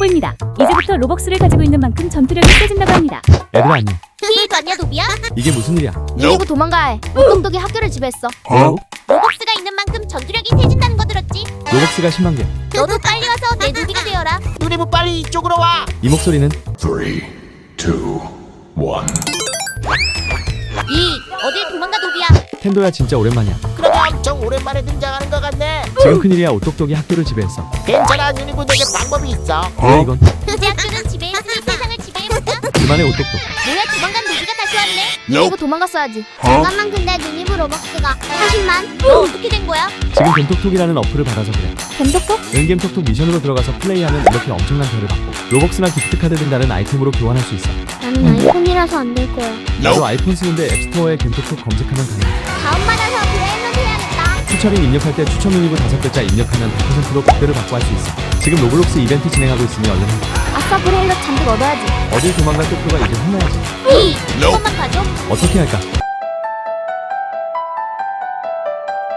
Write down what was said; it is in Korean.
보입니다. 이제부터 로벅스를 가지고 있는 만큼 전투력이 세진다고 합니다. 얘들아 안녕. 힐 갔냐 노비야? 이게 무슨 일이야? 이리고 도망가야 해. 똑똑똑이 학교를 지배했어. 로벅스가 있는 만큼 전투력이 세진다는 거 들었지? 로벅스가 10만 개. 너도 빨리 와서 내 노비가 되어라. 누리부 빨리 이쪽으로 와. 이 목소리는 3, 2, 1. 이 어딜 도망가 노비야? 텐도야 진짜 오랜만이야. 그러게 엄청 오랜만에 등장하는 것 같네. 지금 큰일이야. 오똑똑이 학교를 지배했어. 괜찮아 누리부 내게 방법이 있어. 뭐야 이건? 이제 학교는 지배했으니 세상을 지배해보자. 그만해 오똑똑. 뭐야 도망간 노비가 다시 왔네? 이리고 도망갔어야지. 잠깐만 근데 누리부 로벅스가 40만? 너 어떻게 된 거야? 지금 겜톡톡이라는 어플을 받아서 그래. 겜톡톡? 은겜톡톡 미션으로 들어가서 플레이하면 이렇게 엄청난 별을 받고 로벅스나 기프트카드 등 다른 아이템으로 교환할 수 있어. 나는 아이폰이라서 안 될 거야. 나도 아이폰 쓰는데 앱스토어에 겜톡톡 검색하면 가능해. 다음 받아서 브레인로 해야겠다. 추첨인 입력할 때 추첨 문의부 5글자 입력하면 100%로 백배를 받고 할 수 있어. 지금 로블록스 이벤트 진행하고 있으니 얼른 해. 아싸 브레일럿 잔뜩 얻어야지. 어딜 도망갈 똑똑가 이제 혼나야지. 이것만 봐줘. 어떻게 할까?